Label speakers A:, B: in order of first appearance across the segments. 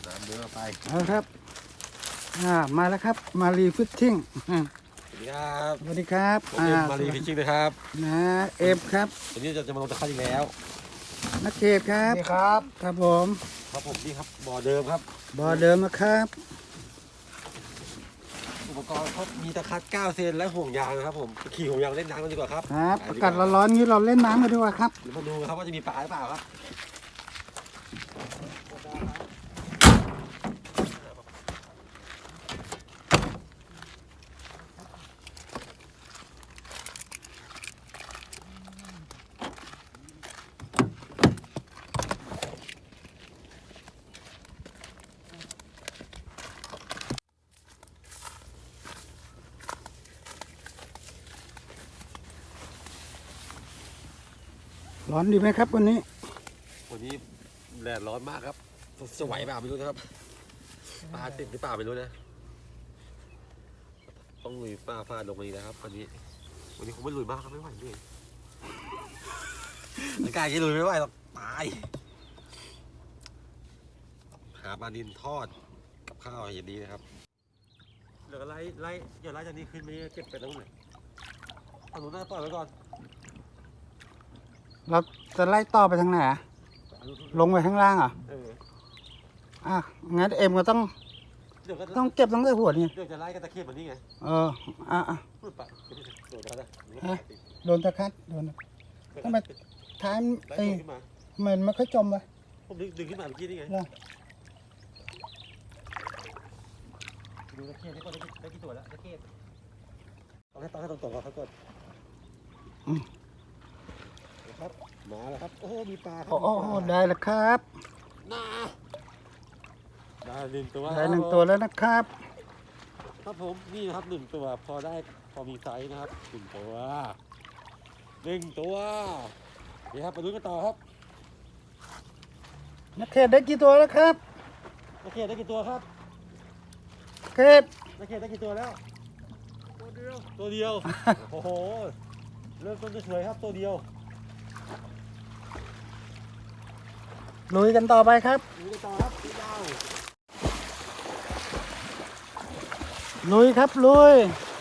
A: น้ำเนื้อไป
B: เอาครับมาแล้วครับมารีฟิชชิ่ง
A: สวัสดีครับ
B: สวัสดีครับ
A: ผมเอ็มมารีฟิชชิ่งนะครับ
B: นะเอฟครับ
A: วันนี้จะมาลงตะไคร้อีกแล้ว
B: นักเขตครับ
C: นี่ครับ
B: ครับผม
A: นี่ครับบ่อเดิมครับ
B: บ่อเดิมนะครับ
A: อุปกรณ์เขามีตะไคร้9 เซนและห่วงยางนะครับผมขี่ห่วงยางเล่นน้ำกันดีกว่าครับ
B: ครับอากาศร้อนๆนี้เราเล่นน้ำกันดีกว่าครับ
A: เดี๋ยวมาดูครับว่าจะมีปลาหรือเปล่าครับ
B: ร้อนดีไหมครับวันนี้
A: แดดร้อนมากครับจะไหวเปล่าไม่รู้นะครับปลาติดหรือเปล่าไม่รู้นะต้องลุยปลาฟาดลงมาอีกนะครับวันนี้คงไม่ลุยมากครับไม่ไหวด้วยอากาศที่ลุยไม่ไหวหรอกตายหาปลาดินทอดกับข้าวอย่างนี้นะครับเดี๋ยวไล่อย่าไล่จากนี้ขึ้นไม่เก็บไปตรงไหนเอาหนูหน้าปล่อยไว้ก่อน
B: เราจะไล่ต่อไปทางไหนลงไปข้างล่างงั้นเอ็มก็ต้องเก็บตั้งแต่หัวนี่
A: เดี๋ยวจะไล่กันตะเคียบแบบนี้ไง
B: โดนตะคัดโดนทำไมท้ายมันไม่ค่อยจมวะ
A: ผมดึงขึ้นมาเมื่อกี้นี่ไงดูตะเคียบได้กี่ตัวแล้วตะเคียบเอาให้ตรงๆเขาก่อนครับมาแล้วครับโอ้มีปลาครับ
B: ได้แล้วครับ
A: ได้1 ตัว
B: ได้1 ตัวแล้วนะครับ
A: ครับผมนี่นะครับ1 ตัวพอมีไซส์นะครับ1 ตัวนี่ครับไปดูกันต่อครับ
B: นักเขตได้กี่ตัวแล้วครับ
A: นักเขตได้กี่ตัวครับ
B: เขต
A: นักเขตได้กี่ตัวแล้วตัวเดียวโอ้โหเริ่มต้นจะสวยครับตัวเดียว
B: ลุยกันต่อไปครับลุยครับลุย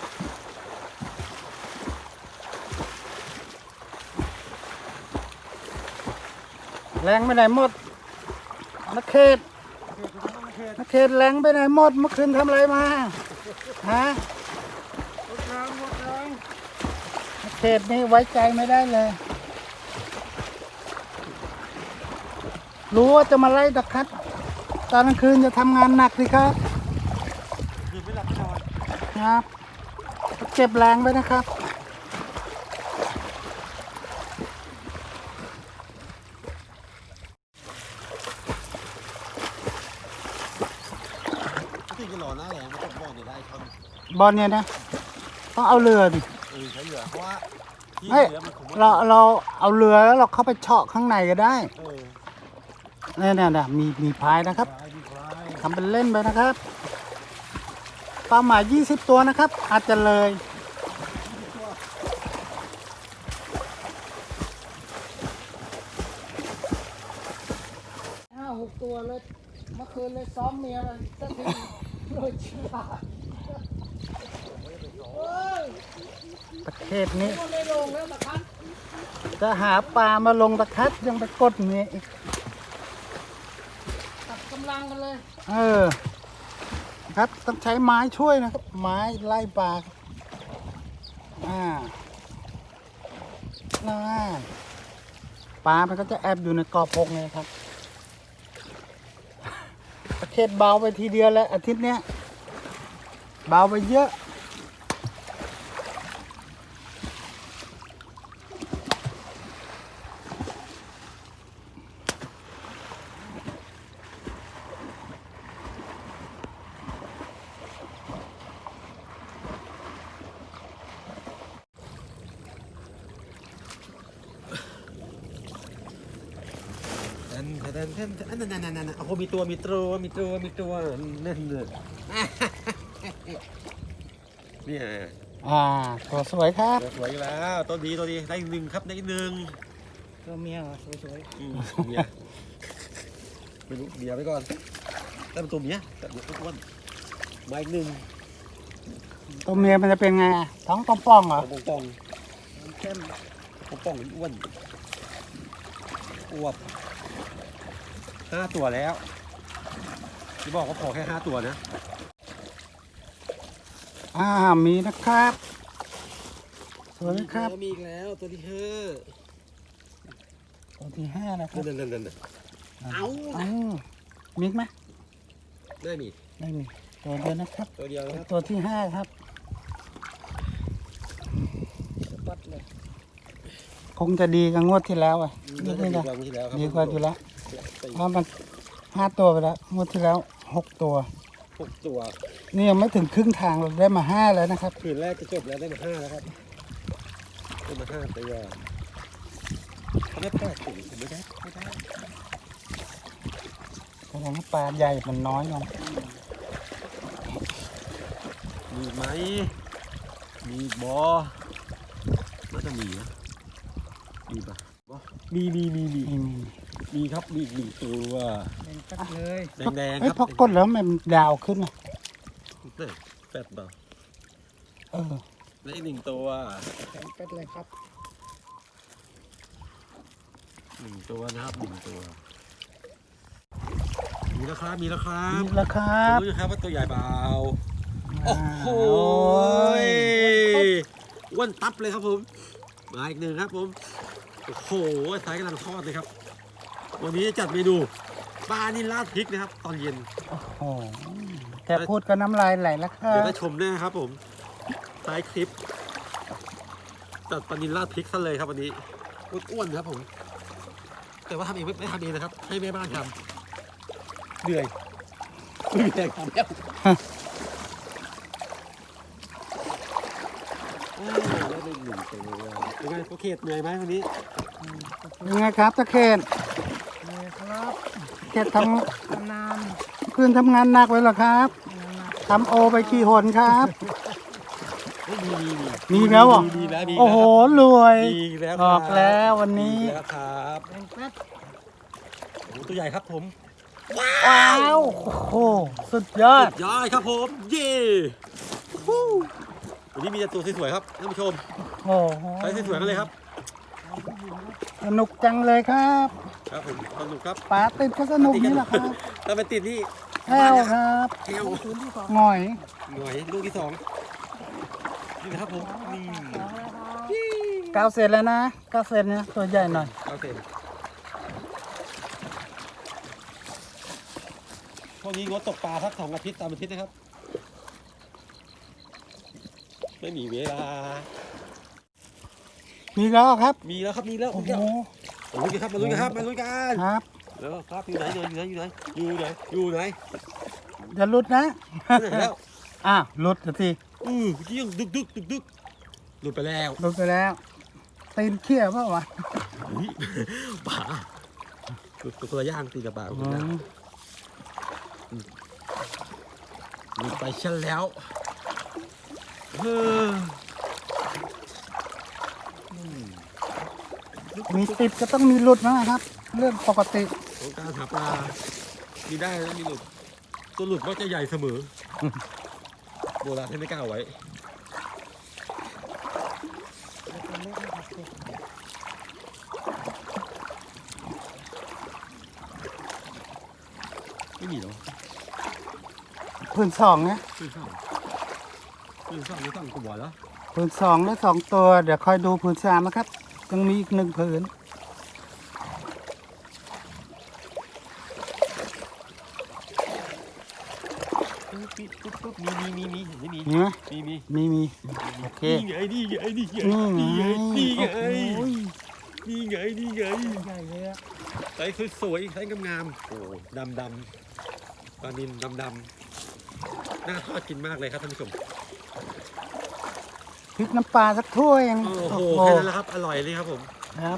B: แรงไปไหนหมดนักเขตแรงไปไหนหมดเมื่อคืนทำอะไรมาฮะนักเขตนี่ไว้ใจไม่ได้เลยรู้ว่าจะมาไล่ตะคัดตอนกลางคืนจะทำงานหนักสิครับ
A: ไม่หลับนอน
B: ครับเก็บแรงไปนะครับ
A: ที่จะรอหน้าแรงมันต้องบอลเนี่ยได้ครับ
B: บอลเนี่ยนะต้องเอาเรือดิ
A: ใช้เรือเพราะว่าที่
B: เรือมันเราเอาเรือแล้วเราเข้าไปเฉาะข้างในก็ได้เนี่ยมีพายนะครับทำเป็นเล่นไปนะครับเป้าหมาย20 ตัวนะครับอาจจะเลย5-6 ตัวเลยเมื่อคืนเลยซ้อมเมียมันสักทีเลยชิบะประเทศนี้จะหาปลามาลงตะคัดยังไปกดเมียอีกกำลังกันเลยครับต้องใช้ไม้ช่วยนะครับไม้ไล่ปลาปลามันก็จะแอบอยู่ในกอพงไงครับประเทศเบาไปทีเดียวแล้วอาทิตย์เนี้ยเบาไปเยอะ
A: นั่นโอ้โหมีตัวนั่นเลยนี่
B: ตัวสวยครับ
A: สวยแล้วตัวดีได้1 ครับได้1
B: ตัวเมียสวย
A: เมียไม่รู้เมียไปก่อนแต่เป็นตัวเมียแต่เมียอ้วนๆมาอีกหนึ่ง
B: ตัวเมียมันจะเป็นไงอะท้องป่องๆเหรอ
A: ปองปอง
B: เข้ม
A: ปองปองอ้วนอวบ5 ตัวแล้วที่บอกว่าพอแค่5 ตัวนะ
B: มีนะครับสวยไหมครับ
A: มีอีกแล้วตัวที่ห้า
B: ตัวที่ห้านะครับ
A: นั่นเอา
B: มีอีกไหม
A: ได้มี
B: ไม่มีตัวเดียวนะครับ
A: ตัวเดียวนะครับ
B: ตัวที่ห้าครับคงจะดีกับงวดที่แล้วอ่ะ
A: ดี
B: นี่
A: ก
B: นะ
A: ว่าที่แล้วครับ
B: ดีกว่าอยู่แล้วเพราะมัน5 ตัวไปแล้วงวดที่แล้ว6 ตัว
A: 6 ตัว
B: นี่ยังไม่ถึงครึ่งทางเราได้มา5แล้วนะครับ
A: คืนแรกจะจบแล้วได้มา5แล้วครับได้มา5 ตัวเขาได้8 ตัวไม่ได้
B: แสดงว่าปลาใหญ่มันน้อยลง
A: มีไหมมีบอน่าจะมีนะมีปะบอมี มีครับมีอีก1 ตัว
B: เลย
A: แดงๆ
B: เฮ้
A: ค
B: ย
A: รับ
B: พอกดแล้วมันดาวขึ้นอ่ะ
A: แปดเปล่า
B: อ
A: และอีก1 ตัว
B: เป็ดเลยครับ
A: 1 ตัวนะครับ1 ตัวมีแล้วครับมีแล้วครับ
B: นี่แหละครับ
A: รู้นะครับว่าตัวใหญ่เปล่า โอ้โห
B: ย
A: อ้วนตับเลยครับผมมาอีก1ครับผมโอ้โหสายกำลังทอดเลยครับ วันนี้จะจัดเมนูปลานิลราดพริกนะครับ ตอนเย็น
B: โอ้โหแต่พูดก็น้ำลายไหลแล้วครั
A: เดี๋ยว
B: บ
A: ได้ชมแน่ครับผมท้ายคลิปจัดปลานิลราดพริกซะเลยครับวันนี้อ้วนๆครับผม แต่ว่าทำเองไม่ทำเองนะครับ ให้แม่บ้านทำเหนื่อยไม่มีแรงทำแล้วได้หนึ่งตัวเป็นไงโอเคเหนื่อยไหมวันนี้
B: ยังไงครับตะเคนครับเคนทคืนทำงานหนักไว้เหรอครับทำโอไปกี่หนครับ มีแล้วเหรอ
A: มีแล้วมี
B: โอ้โหรวย
A: มีแล้ว
B: ออกแล้ววันนี้
A: มีแล้วครับโอ้ตัวใหญ่ครับผม
B: ว้าวโอ้โหสุดยอด
A: สุดยอดครับผม เย้ฮู้วันนี้มีแต่ตัวสวยๆครับท่านผู้ชม
B: โอ้โห
A: ใช้สวยๆกันเลยครับ
B: สนุกจังเลยครับ
A: ครับผมสนุกครับ
B: ปลาติดก็สนุกนี่แหละครับ
A: ถ้าเป็นติดนี่
B: แก้วครับ
A: แก้ว
B: หน่อย
A: หน่วยลูกที่ 2นี่นะครับผมนี่
B: 9 เซนแล้วนะ9 เซนเนี่ยตัวใหญ่หน่อย
A: เอาเต็มพวกนี้งดตกปลาสัก2 อาทิตย์3 อาทิตย์นะครับ ไม่มีเวลา
B: มีแล้วครับ
A: มีแล้วครับมีแล้ว
B: โอ้
A: มี
B: โห
A: แล้วมาลุ้นกันครับมาลุ้นกันครับมาลุ้นกัน
B: ครับ
A: แล้วครับอยู่ไหนอยู่ไหน
B: อย่าหลุดนะ
A: อยู่ไหนแล้ว
B: หลุดสิ
A: เมื่อกี้ยังดึกหลุดไปแล้ว
B: หลุดไปแล้วตีนเขี้ยวเปล่าวะ
A: อุ๊ยป่าตัวคนละย่างตีกับป่าคนละย่างหลุดไปเช่นแล้วเออ
B: มีติดก็ต้องมีหลุดนะครับ เรื่องปกติ
A: ของการหาปลามีได้แล้วมีหลุดตัวหลุดมักจะใหญ่เสมอโบราณท่านไม่กล้าเอาไว้ไม่มีหรอ
B: พื้นสองนะ
A: ขึ้นช่องไม่ต้องกลัวแล้ว
B: พื้นสองและ2 ตัว เดี๋ยวคอยดูพื้น3นะครับยังมีอีก1 ผืน
A: ปุ๊บมีเห็นไหมมี
B: มีไหม
A: มี
B: มีโอเค
A: นี่ไงนี่ไงนี่ไง
B: นี่ไง
A: นี่ไง
B: โอ้โห
A: นี่ไงนี่ไง
B: ใหญ่เลยอะ
A: ใส่สวยๆใส่งามๆโอ้ดำปลานิลดำน่าทอดกินมากเลยครับท่านผู้ชม
B: พริกน้ำปลาสักถ้วยยัง
A: โอ้โหแค่นั้นแหละครับอร่อยเลยครับผม
B: ครับ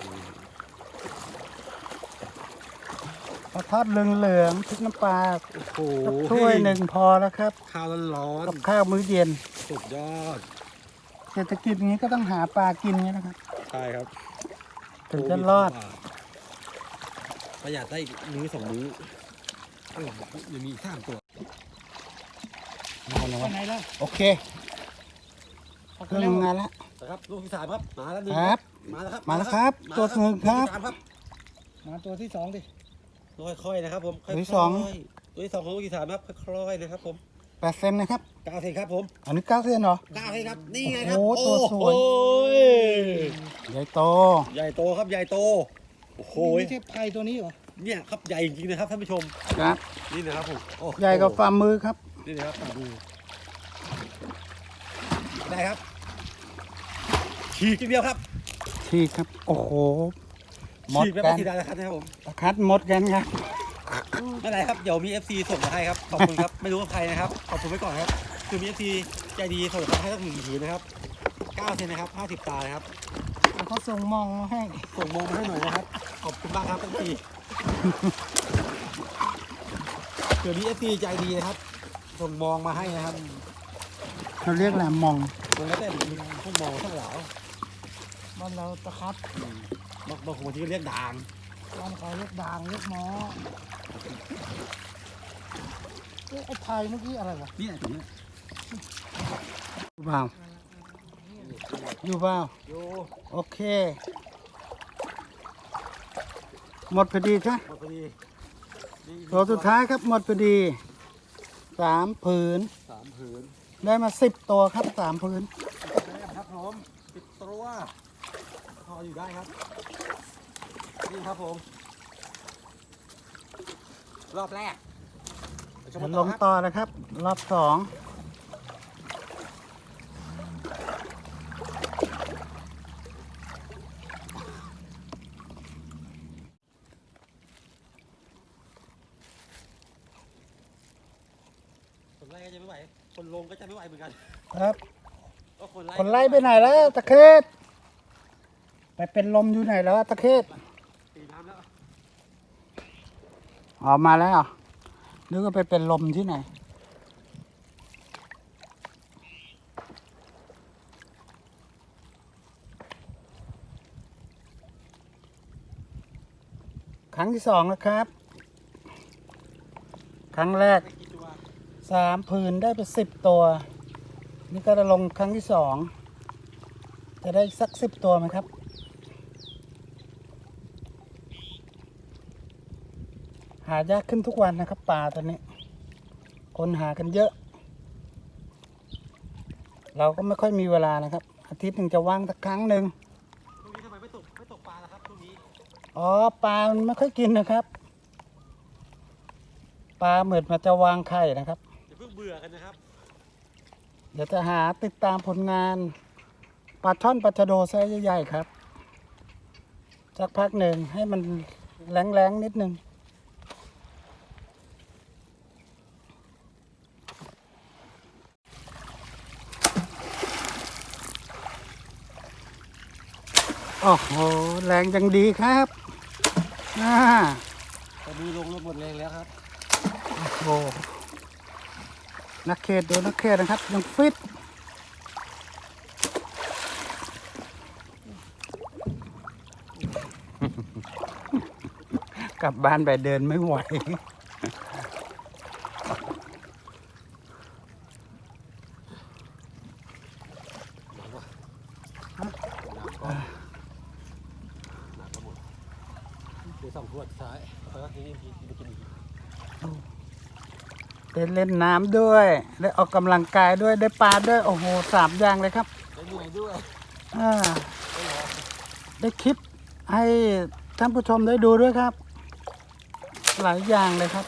B: พอทอดเหลืองๆพริกน้ำปลา
A: โอ้โห
B: สักถ้วยหนึ่งพอแล้วครับ
A: ข้าวร้อน
B: กับข้าวมื้อเย็น
A: ๆสุดยอด
B: เศรษฐกิจอย่างนี้ก็ต้องหาปลากินไงนะครับ
A: ใช่ครับ
B: ถึงจะรอด
A: ประหยัดได้อีกมื้อ2 มื้อยังมีอีก3 ตัว
B: เอาเลยวะ
C: ไปไหนแล้ว
B: โอเค
C: ออก
B: เค
C: ไป
B: รื่อง
C: แล้ว
B: ทำงานแล้ว
A: นะครับลูกที่ 3ครับมาแล้วหนึ่ง
B: ครับ
A: มาแล้วครับ
B: มาแล้วครับตัวหนึ่งครับ
A: ลูกที่ 3ครับ
C: มาตัวที่สองดิ
A: ค่อยๆนะครับผมค่อย
B: ตัว
A: ๆ
B: ที่สอง
A: ตัวที่ 2ของลูกที่ 3ครับค่อยๆนะครับผม
B: 8 เซนนะครับ
A: 9 เซนครับผม
B: อันนี้9 เซนเหรอ
A: 9 เซนครับนี่ไงครับ
B: โอ้โหตัวสวย
A: โอ้ย
B: ใหญ่โต
A: ใหญ่โตครับใหญ่โตโอ้โห
C: ไม่ใช่ไผ่ตัวนี้เหรอ
A: เนี่ยครับใหญ่จริงๆนะครับท่านผู้ชม
B: ครับ
A: นี่นะครับผมโอ้โ
B: ใหญ่กว่าฝ่ามือครับ
A: นี่นะครับฝ่ามือได้ครับฉีกทีเดียวครับ
B: ฉีกครับ โอ้โห หมด
A: ฉีกแบบ
B: กั
A: ไม่
B: น
A: ทีได้แล้วครับผม
B: ตะคัดหมดกันครับ
A: ไม่เป็นไรครับเดี๋ยวมี FC ส่งมาให้ครับขอบคุณครับไม่รู้ว่าใครนะครับขอบคุณไว้ก่อนครับคือมี FC ใจดีส่งมาให้สัก1 ผืนนะครับ9 เซนนะครับ50 ตานะครับ
C: แล้วเขาส่งมองมาให้
A: ส่งโมมาให้หน่อยนะครับขอบคุณมากครับ FC เดี๋ยวมี FC ใจดีนะครับส่งมองมาให้นะครับ
B: เขาเรียกแหละมอง
A: มันแล้วแต่พวกมองทั้งหลาย
C: บ้านเราตะครับ
A: บางคนที่ก็เรียกด่าง
C: บ้านเขาเรียกด่างเรียกหมอเอ๊ะไอ้ไผ่เมื่อกี้อะไรวะ
A: นี่ถึงนี้
B: อยู่เปล่าอยู่เปล่า
A: โย
B: โอเค หมดพอดีใช่
A: หมดพอดีนี่
B: ตัวสุดท้ายครับ หมดพอดี 3 ผืน
A: 3 ผืน
B: ได้มา10 ตัวครับ 3 ผืน
A: ครับผม10 ตัวพออยู่ได้ครับนี่ครับผมรอบแรกไปชมกัน
B: ล
A: ต่อง ครับ
B: ต่อนะครับ รอบ
A: คนไล่ก็จะไม่ไหวคนลงก็จะไม่ไหวเหมือนกัน
B: 2 ครับ
A: ก็
B: คนไล่ไปไหนแล้วตะเคศไปเป็นลมอยู่ไหนแล้วตะเคศ
A: ตีน้ำแล้ว
B: ออกมาแล้วเหรอนึกว่าไปเป็นลมที่ไหน ครั้งที่ 2นะครับ ครั้งแรก
A: ไปกี่ตัว
B: 3 ผืนได้ไป10 ตัว นี่ก็จะลงครั้งที่ 2 จะได้สัก10 ตัวไหมครับ หายากขึ้นทุกวันนะครับปลาตัวนี้ คนหากันเยอะ เราก็ไม่ค่อยมีเวลานะครับ อาทิตย์หนึ่งจะว่างสักครั้งหนึ่ง
A: ช่วงนี้ทำไมไม่ตกปลาล่ะครับช่วงนี้
B: อ๋อปลามันไม่ค่อยกินนะครับ ปลาเหมือนมันจะวางไข่นะครับ
A: อย่าเพิ่งเบื่อกันนะครับ
B: เดี๋ยวจะหาติดตามผลงานปลาช่อนปลาชะโดไซส์ใหญ่ๆครับสักพักหนึ่งให้มันแรงๆนิดนึงโอ้โหแรงจังดีครับอ่า
A: ตอนนี้ลงหมดแรงแล้วครับ
B: โอ้โหนักเขตดูนักเขตนะครับ ยังฟิต กลับบ้านไปเดินไม่ไหว
A: เดี๋ยว2 ขวดท้ายแล้วทีนี้ไปกินอีก
B: ได้เล่นน้ำด้วย ได้ออกกำลังกายด้วย ได้ปลาด้วย โอ้โห3 อย่างเลยครับ
A: ได้เหนื่อยด้วย
B: อ่าได้คลิปให้ท่านผู้ชมได้ดูด้วยครับ หลายอย่างเลยครับ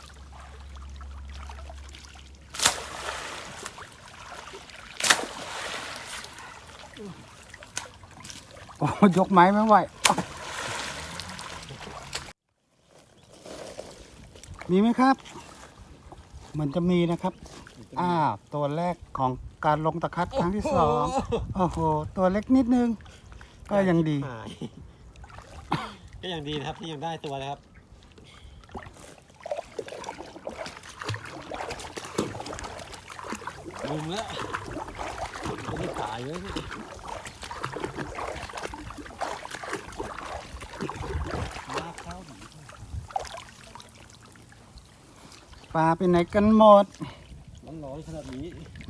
B: โอ้ยกไม้ไม่ไหวอ๊ะมีไหมครับ เหมือนจะมีนะครับ ตัวแรกของการลงตะคัดครั้งที่ 2 โอ้โห ตัวเล็กนิดนึง ก็ยังดี
A: หายก็ยังดีนะครับที่ยังได้ตัวนะครับลุมแล้วไม่ได้ตายเลยมาเข้าหนี
B: ปลาไปไหนกันหมด
A: ร้อนๆขนาดนี้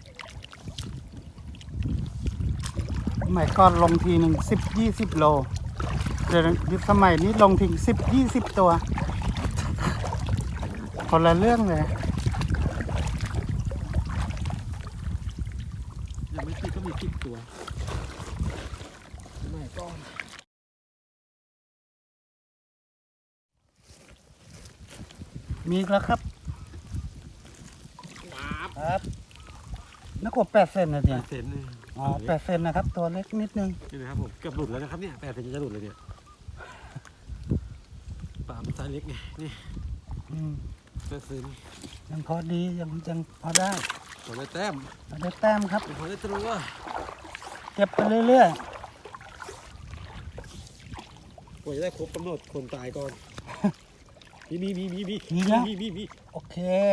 B: สมัยก่อนลงทีหนึ่ง10-20 โลเดี๋ยวนี้สมัยนี้ลงถึง10-20 ตัว คนละเรื่องเลย
A: ยังไม่ติดก็มี10 ตัวไม่ก้อน
B: มีอีกแล้วครับ ครับนักกว่า8 เซนนะเนี่ย
A: 8 เซนนี่
B: อ๋อ8 เซนนะครับ ตัวเล็กนิดนึง
A: นี่นะครับผมเกือบหลุดแล้วนะครับเนี่ย8 เซนจะหลุดเลยเนี่ยปลามันไซส์เล็กไงนี่
B: อืม
A: 8 เซน
B: ยังพอดียังพอได้
A: ตัวได้แต้ม
B: เอาได้แต้มครับ
A: ตัวได้ตัว
B: เก็บไปเรื่อย
A: กว่าจะได้ครบกำหนดคนตายก่อนมี
B: ๆ โอเค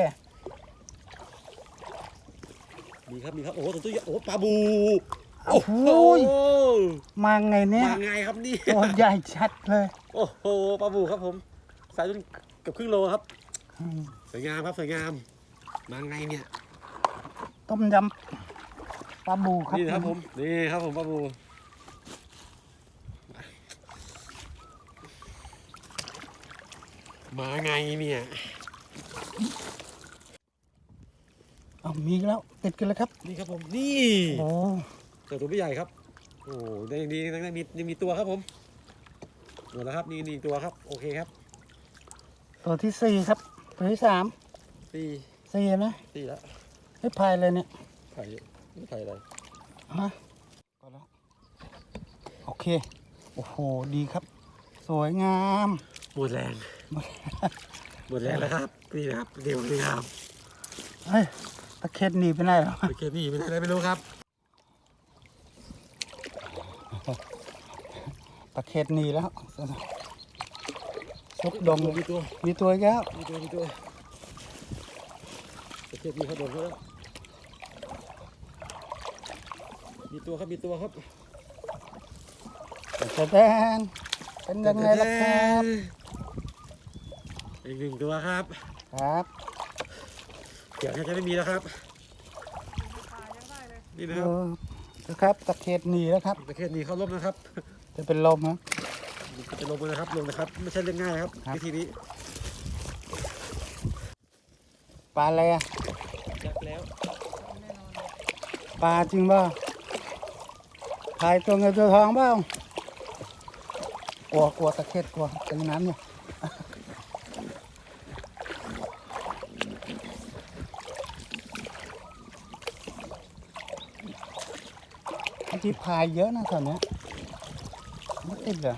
A: มีครับโอ้โหตัวใหญ่โอ้ปลาบู
B: โอ้โหมาไงเนี่ย
A: มาไงครับนี่
B: ตัวใหญ่ชัดเลย
A: โอ้โหปลาบูครับผมสายจนเกือบครึ่งโลครับ
B: อืม
A: สวยงามครับสวยงามมาไงเนี่ย
B: ต้มยำปลาบูครับ
A: นี่นะครับผมนี่ครับผมปลาบูมาไงเนี่ย
B: เอามีอีกแล้วติดกันแล้วครับ
A: นี่ครับผมนี่
B: โอ้
A: แต่ตัวไม่ใหญ่ครับโอ้ได้ยังดียังมีตัวครับผมหมดแล้วครับนี่ตัวครับโอเคครับ
B: ตัวที่ 4 ครับ ตัวที่ 3
A: สี่
B: 4นะ
A: แล้ว
B: ไม่พายเลยเนี่ย
A: ไผ่ไม่ไผ่อะไร
B: ฮะก็แล้วโอเค โอ้โห ดีครับ สวยงาม
A: หมดแรง หมดแรงแล้วครับนี่นะครับเดี๋ยวนี่ครับ
B: เฮ้ย ตะเข็ดหนีไปไหนหรอ
A: โอเคนี่ไม่ได้อะไรไม่รู้ครับ
B: ตะเข็ดหนีแล้วซุกดง
A: มีตัว
B: มีตัวอีกแล้ว
A: โอเคนี่เขาโดนเขาแล้วมีตัวครับ
B: จะแดนเป็นยังไงล่ะครับ
A: อีก1 ตัวครับ
B: ครับ
A: เดี๋ยวจะไม่มีแล้วครับนี่นะครับ
B: นะครับตะเข็ดหนีแล้วครับ
A: ประเทศนี้เขาล้มนะครับ
B: จะเป็นลมครับ
A: จะลงนะครับไม่ใช่เรื่องง่ายครับ
B: ครับ
A: วิธีนี้
B: ปลาอะไรอะ
A: ยักแล้ว
B: ปลาจริงเปล่าถ่ายตัวเงินตัวทองเปล่ากลัวตะเข็ดกลัวตรงน้ำเนี่ยที่พายเยอะนะตอนเนี้ยไม่ติดเหรอ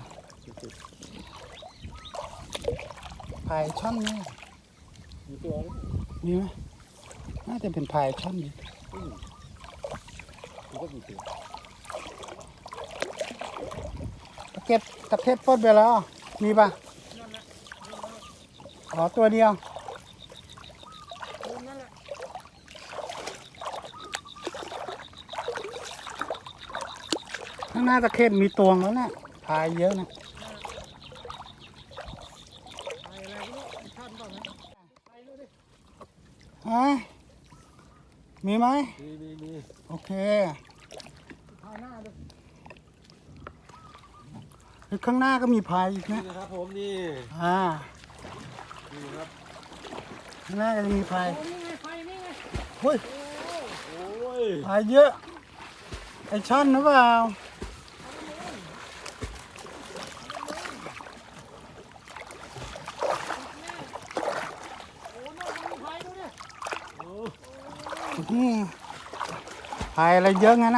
B: พายช่อนเนี่ย
A: มีตัว
B: มีไหมน่าจะเป็นพายช่อนดิ
A: มันก็มีตัว
B: ตะเข็บปลดไปแล้ว มีปะอ๋อตัวเดียวข้างหน้าตะเข็บมีตวงแล้วนะพายเยอะนะฮะมีไหม
A: มี
B: โอเคข้างหน้าก็มีพายอีก
A: นี่
B: นะ
A: นะครับผมนี่ นี่ครับ
B: ข้างหน้าก็จะมีพาย
C: นี่ไงไฟนี่ไง
B: เฮ้ย
A: โอ้ย
B: พายเยอะ ไอช่อนหรือเปล่านี่พายอะไรเยอะงั้นนะ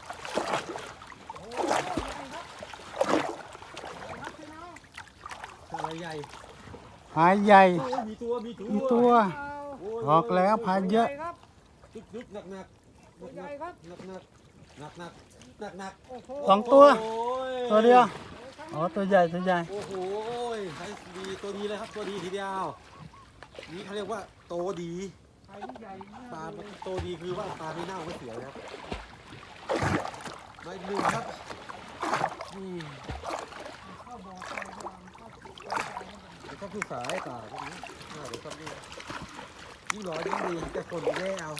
A: อะไรใหญ่
B: พายใหญ่
A: โอ้ยมีตัว
B: มีตัวออกแล้วพายเยอะ
A: ดึกหนักหนัก
C: ใหญ่ครับ
A: หนัก
C: โอ้โห
B: สองตัว
A: โอ้ย
B: ตัวเดียว อ๋อ ตัวใหญ่ ตัวใหญ่
A: โอ้โหใช้ดีตัวดีเลยครับตัวดีทีเดียวนี่เขาเรียกว่าโตดี
C: ไฟใหญ่มาก
A: ปลาโตดีคือว่าปลาไม่เน่าไม่เสียนะครับมาอีก 1ครับนี่
C: เข้าบ่อไฟวางเข้า
A: เดี๋ยวก็คือสายตาพวกนี้น่าจะครับนี่ยิ่งร้อนยิ่งดีแต่คนไม่ได้เอา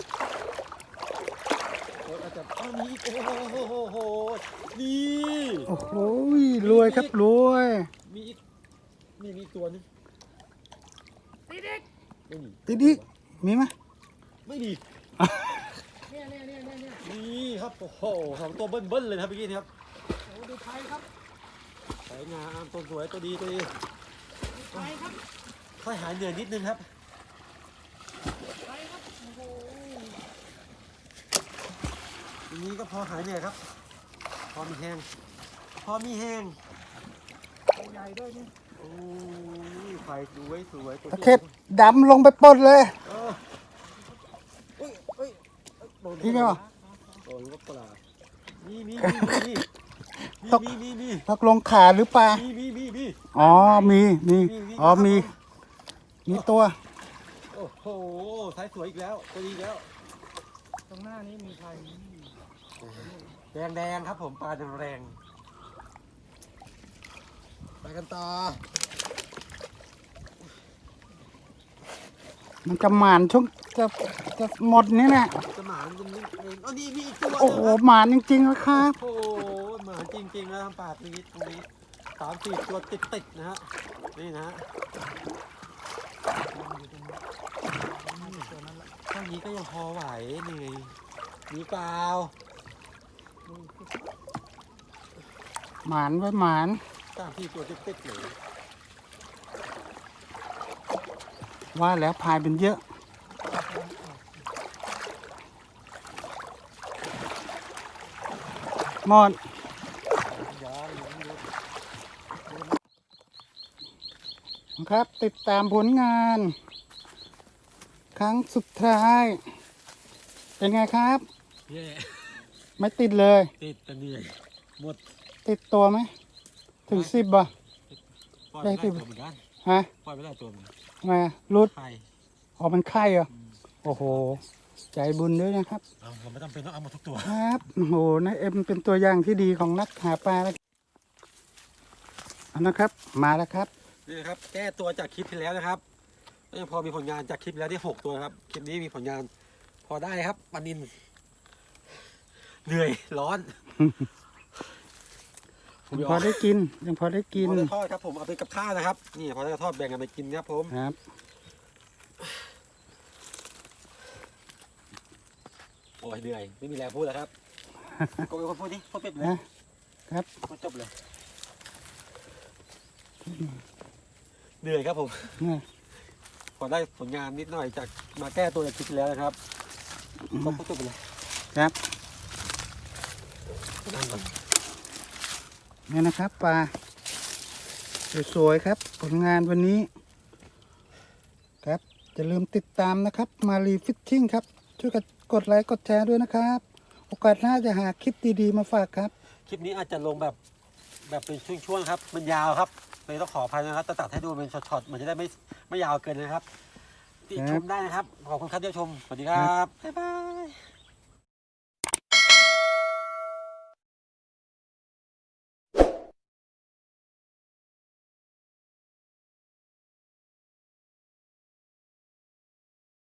A: รถอาจจะมีอีกโอ้โหนี่
B: โอ้โหรวยครับรวย
A: มีอีกนี่มีอีกตัวนึง
C: ติดอีก
A: ไม่มี
B: ติดดิมีไหม
A: ไม่มี
C: เนี่ย
A: นี่ครับโอ้โหสองตัวเบิ้ลๆเลยนะครับเมื่อกี้นี้ครับ
C: โอ้ดูไฟครับ
A: สวยงามตัวสวยตัวดีตัวดี
C: ดูไฟครับ
A: ค่อยหายเหนื่อยนิดนึงครับ
C: ไฟครับโอ้โห
A: ทีนี้ก็พอหายเหนื่อยครับ พอมีแห้งพอมีแห้ง
C: ตัวใหญ่ด้วยนี่
A: โอ้ยไฟสวยสวยตัว
B: ตะเข็บดำลงไปปลดเลย
A: เออเอ้ยเอ้ยโดน
B: พี่ไงวะ
A: โดนก็ปลามี
B: ตก
A: มี
B: ตกลงขาหรือปลา
A: มี
B: อ๋อมีอ๋อมีตัว
A: โอ้โหสายสวยอีกแล้วตัวดีอีกแล้ว
C: ตรงหน้านี้มีไฟ
A: แดงครับผมปลาแรงไปกันต่อ
B: มันจะหมานช่วงจะหมดนี่แหละ
A: จะหมามันนิดเองอ๋อนี่มีอีกตัว
B: โอ้โหหมานจริงๆนะครับ
A: โอ้โหหมาจริงๆนะทำปากตรงนี้3-4 ตัวติดนะฮะนี่นะฮะเท่านี้ก็ยังพอไหวเหนื่อยมีเปล่า
B: หมานไว้หมาน
A: 3-4 ตัวติดๆเลย
B: ว่าแล้วพายเป็นเยอะหมด
A: ย้อนหลังดู
B: ครับ ติดตามผลงาน ครั้งสุดท้าย เป็นไงครับ
A: แย่
B: ไม่ติดเลย
A: ติดแต่เหนื่อยหมด
B: ติดตัวไหม ถึง10บ่ะ
A: ปล่อยไป
B: ได้สิ
A: ได้ตัวเหมือนกัน
B: ฮะ
A: ปล่อยไปได้ตัวเหมือนกัน
B: ทำไมอะรุด
A: ไข่
B: ออกมันไข่เหรอ โอ้โห ใจบุญด้วยนะครับ
A: เราไม่จำเป็นต้องเอาหมดทุกตัว
B: ครับโอ้โหนายเอ็มเป็นตัวอย่างที่ดีของนักหาปลาแล้วเอานะครับ มาแล้วครับ
A: นี่นะครับแก้ตัวจากคลิปที่แล้วนะครับก็ยังพอมีผลงานจากคลิปที่แล้วที่6 ตัวนะครับคลิปนี้มีผลงานพอได้ครับปลานินเหนื่อยร้อน
B: ยังพอได้กิน ยังพอได้กิน
A: พอได้ทอดครับผมเอาไปกับข้าวนะครับนี่พอได้ทอดแบ่งกันไปกินครับผม
B: ครับ
A: โอ้ยเหนื่อยไม่มีแรงพูดแล้วครับโกยคนพูดดิพูดเป็ดเลย
B: นะครับ
A: พูดจบเลยเหนื่อยครับผม
B: เนี่ย
A: พอได้ผลงานนิดหน่อยจากมาแก้ตัวจากคลิปที่แล้วนะครับก็พูดจบไปเลย
B: ครับ
A: นั่งก่อน
B: นี่นะครับปลาสวยๆครับ ผลงานวันนี้ ครับอย่าลืมติดตามนะครับ มารีฟิชชิ่งครับ ช่วยกันกดไลค์กดแชร์ด้วยนะครับ โอกาสหน้าจะหาคลิปดีๆมาฝากครับ
A: คลิปนี้อาจจะลงแบบเป็นช่วงๆครับ มันยาวครับเลยต้องขออภัยนะครับจะตัดให้ดูเป็นช็อตๆมันจะได้ไม่ยาวเกินนะครับติชมได้นะครับขอบคุณครับที่ชมสวัสดีครับบ๊ายบาย